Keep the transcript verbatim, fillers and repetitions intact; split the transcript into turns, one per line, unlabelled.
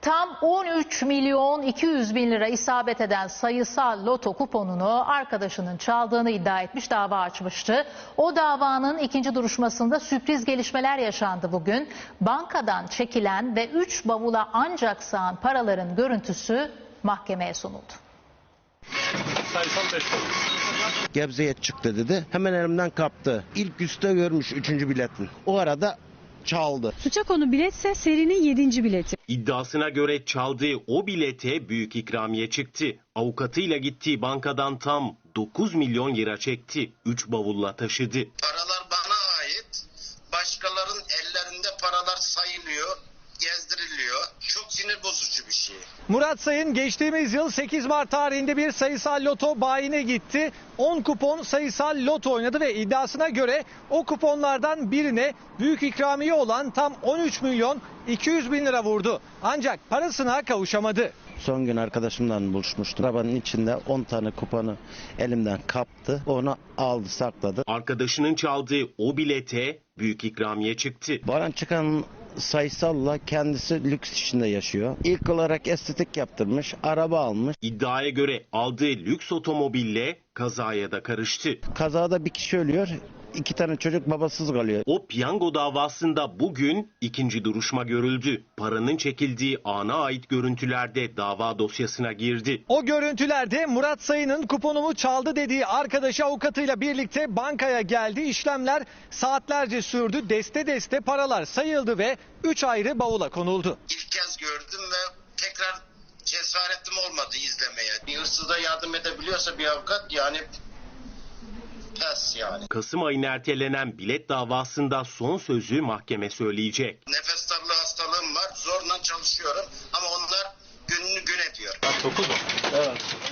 Tam on üç milyon iki yüz bin lira isabet eden sayısal loto kuponunu arkadaşının çaldığını iddia etmiş, dava açmıştı. O davanın ikinci duruşmasında sürpriz gelişmeler yaşandı bugün. Bankadan çekilen ve üç bavula ancak sığan paraların görüntüsü mahkemeye sunuldu.
Gebze'ye çıktı dedi. Hemen elimden kaptı. İlk üste görmüş üçüncü biletin. O arada çaldı.
Suça konu biletse serinin yedinci bileti.
İddiasına göre çaldığı o bilete büyük ikramiye çıktı. Avukatıyla gittiği bankadan tam dokuz milyon lira çekti. üç bavulla taşıdı.
Paralar bana ait. Başkalarının ellerinde paralar sayılıyor, gezdiriliyor. Çok sinir bozucu bir şey.
Murat Sayın geçtiğimiz yıl sekiz Mart tarihinde bir sayısal loto bayine gitti. on kupon sayısal loto oynadı ve iddiasına göre o kuponlardan birine büyük ikramiye olan tam on üç milyon iki yüz bin lira vurdu. Ancak parasına kavuşamadı.
Son gün arkadaşımla buluşmuştum. Arabanın içinde on tane kuponu elimden kaptı. Onu aldı, sakladı.
Arkadaşının çaldığı o bilete büyük ikramiye çıktı.
Bana çıkan sayısalla kendisi lüks içinde yaşıyor. İlk olarak estetik yaptırmış, araba almış.
İddiaya göre aldığı lüks otomobille kazaya da karıştı.
Kazada bir kişi ölüyor, iki tane çocuk babasız kalıyor.
O piyango davasında bugün ikinci duruşma görüldü. Paranın çekildiği ana ait görüntülerde dava dosyasına girdi.
O görüntülerde Murat Sayın'ın kuponumu çaldı dediği arkadaşı avukatıyla birlikte bankaya geldi. İşlemler saatlerce sürdü. Deste deste paralar sayıldı ve üç ayrı bavula konuldu.
İlk kez gördüm ve tekrar cesaretim olmadı izlemeye. Bir hırsıza yardım edebiliyorsa bir avukat yani pes yani.
Kasım ayına ertelenen bilet davasında son sözü mahkeme söyleyecek.
Nefes darlığı hastalığım var. Zorla çalışıyorum ama onlar gününü gün ediyor.
dokuz mu? Evet.